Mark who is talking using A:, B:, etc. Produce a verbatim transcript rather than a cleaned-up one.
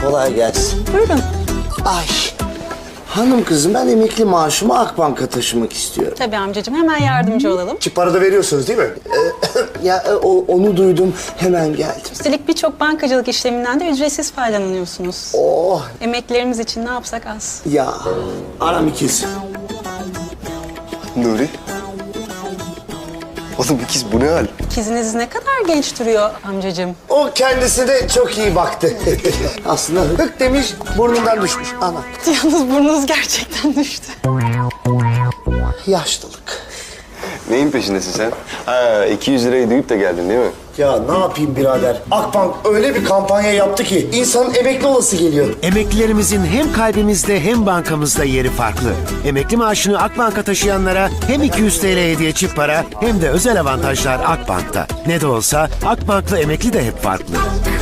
A: Kolay gelsin.
B: Buyurun.
A: Ay. Hanım kızım ben emekli maaşımı Akbank'a taşımak istiyorum.
B: Tabii amcacığım, hemen yardımcı olalım.
C: Çip para da veriyorsunuz değil mi?
A: Ee, ya o, onu duydum hemen geldim.
B: Üstelik birçok bankacılık işleminden de ücretsiz faydalanıyorsunuz.
A: Oh
B: Emeklilerimiz için ne yapsak az.
A: ya aram ikiz.
C: Nuri. Oğlum ikiz bu ne hal?
B: İkiziniz ne kadar genç duruyor amcacığım.
A: O kendisi de çok iyi baktı. Aslında hık demiş burnundan düşmüş ana.
B: Yalnız burnunuz gerçekten düştü.
A: Yaşlılık.
C: Neyin peşindesin sen? Ha iki yüz lirayı duyup da geldin değil mi?
A: Ya ne yapayım birader? Akbank öyle bir kampanya yaptı ki insanın emekli olası geliyor.
D: Emeklilerimizin hem kalbimizde hem bankamızda yeri farklı. Emekli maaşını Akbank'a taşıyanlara hem iki yüz TL hediye çift para hem de özel avantajlar Akbank'ta. Ne de olsa Akbank'la emekli de hep farklı.